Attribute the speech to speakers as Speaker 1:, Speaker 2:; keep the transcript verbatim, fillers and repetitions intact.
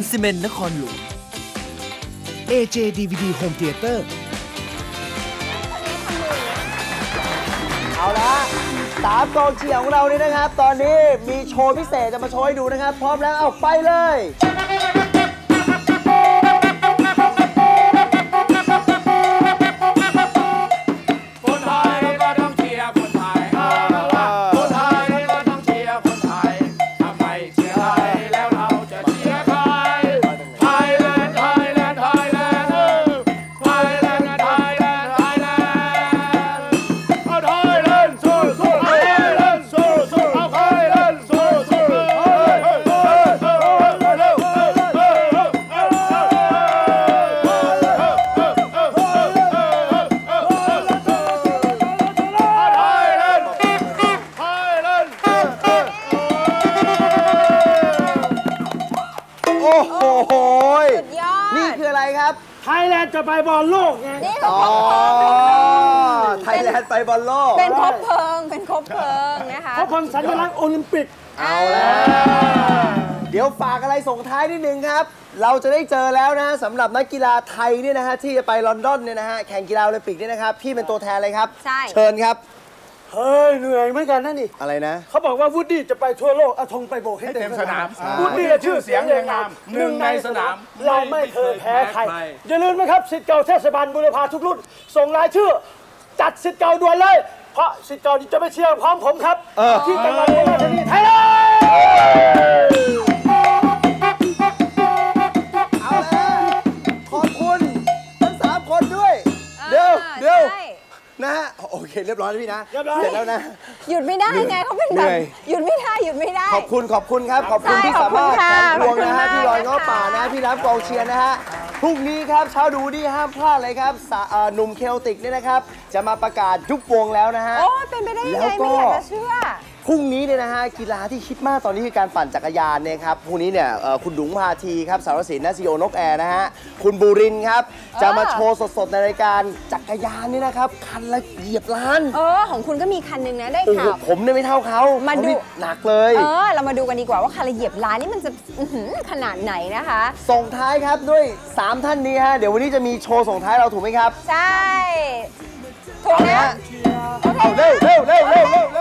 Speaker 1: ซีเมนต์นครหลวง เอ เจ ดี วี ดี Home Theater
Speaker 2: เอาละสามกองเชียร์ของเรานี่นะครับตอนนี้มีโชว์พิเศษจะมาโชว์ให้ดูนะครับพร้อมแล้วเอาไปเลย
Speaker 3: คนไทยก็ต้องเชียร์คนไทยคนไทยก็ต้องเชียร์คนไทยทำไมเชียร์ไทยแล้วเราจะเชียร์ใครไทยแลนด์ไทยแลนด์ไทยแลนด์ไทยแลนด์ไทยแลนด์ไทยแลนด์เอาไทยแลนด์สู้สู้ไทยแลนด์สู้สู้เอาไทยแลนด์สู้สู้
Speaker 2: โอ้โห
Speaker 4: สุดยอด
Speaker 2: นี่คืออะไรครับ
Speaker 5: ไทยแลนด์จะไปบอลโลกไง
Speaker 4: นี่คือ
Speaker 2: อ๋อ
Speaker 4: ครบเพลิง
Speaker 2: ไทยแลนด์ไปบอลโลก
Speaker 4: เป็นครบเพลิงเป็นครบเพลิงนะคะ
Speaker 5: เพราะพันสัญลักษณ์โอลิมปิก
Speaker 2: เอาแล้วเดี๋ยวฝากอะไรส่งท้ายนิดนึงครับ เราจะได้เจอแล้วนะฮะสำหรับนักกีฬาไทยเนี่ยนะฮะที่จะไปลอนดอนเนี่ยนะฮะแข่งกีฬาโอลิมปิกเนี่ยนะครับพี่เป็นตัวแทนเลยครับ
Speaker 4: ใช่
Speaker 2: เชิญครับ
Speaker 5: เฮ้ยเหนื่อยเหมือนกันนะนี่
Speaker 2: อะไรนะ
Speaker 5: เขาบอกว่าวูดดี้จะไปทั่วโลกเอาธงไปโบกให้
Speaker 3: ให้
Speaker 5: เต็
Speaker 3: เต็
Speaker 5: ม
Speaker 3: ม
Speaker 5: ส
Speaker 3: ส
Speaker 5: นาน
Speaker 3: าม ม
Speaker 5: วูดดี้ชื่อเสียงเรียงนาม
Speaker 3: หนึ่งในสนาม
Speaker 5: เราไม่เคยแพ้ใครอย่าลืมนะครับสิทธิ์เก่าเทศบาลบุรพาทุกรุ่นส่งรายชื่อจัดสิทธิ์เก่าด่วนเลยเพราะสิทธิ์เก่าจะไปเชียร์พร้อมผมครับที่จังหวัดอุบลราชธานีไทยแลนด์
Speaker 2: เอาแล้วขอบคุณทั้งสามคนด้วย เดี๋ยวเดี๋ยว
Speaker 4: ใช่
Speaker 2: นะฮะโอเคเรียบร้อยแล้วพี่นะ
Speaker 5: เรียบร้อย
Speaker 2: เสร็จแล้วนะ
Speaker 4: หยุดไม่ได้ไงเขาเป็น
Speaker 2: เหนื่
Speaker 4: แบบ
Speaker 2: อย
Speaker 4: หยุดไม่ได้หยุดไม่ได้
Speaker 2: ขอบคุณขอบคุณครับขอบคุณ
Speaker 4: ใช่
Speaker 2: ที่สามารถ
Speaker 4: ขอบคุณค่ะ
Speaker 2: แข่งพวงนะฮะ
Speaker 4: ขอบคุณมาก
Speaker 2: พี่ลอยง้อป่า
Speaker 4: นะคะ
Speaker 2: นะพี่น้ำกองเชียร์นะฮะพรุ่งนี้ครับเช้าดูดีห้ามพลาดเลยครับสะเอ่อหนุ่มเคลติกเนี่ยนะครับ จะมาประกาศยุบวงแล้วนะฮะ
Speaker 4: โอ้ยเป็นไปได้ยัง
Speaker 2: แล้
Speaker 4: ไง
Speaker 2: วก็
Speaker 4: ไม่อยากจะเชื่อ
Speaker 2: พรุ่งนี้เนี่ยนะฮะกีฬาที่คิดมากตอนนี้คือการปั่นจักรยานเนี่ยครับพรุ่งนี้เนี่ยเอ่อคุณดุงพาทีครับสารสินนะซีโอนกแอร์นะฮะคุณบูรินทร์ครับจะมาโชว์สดๆในรายการจักรยานนี่นะครับคันละเหยียบล้าน
Speaker 4: เออของคุณก็มีคันหนึงนะได้
Speaker 2: โอ้โห
Speaker 4: ข่าว
Speaker 2: ผมเนี่ยไม่เท่าเขา
Speaker 4: มาดู
Speaker 2: เขนี่หนักเลย
Speaker 4: เออเรามาดูกันดีกว่าว่าคันละเหยียบล้านนี่มันจะอื้อหือขนาดไหนนะคะ
Speaker 2: ส่งท้ายครับด้วยสามท่านนี้ฮะเดี๋ยววันนี้จะมีโชว์ส่งท้ายเราถูกไหมครับ
Speaker 4: ใช่ถูก
Speaker 2: เอา
Speaker 4: นะ
Speaker 2: ฮะเอาเร็วเร็วเร็วเร็วเร็ว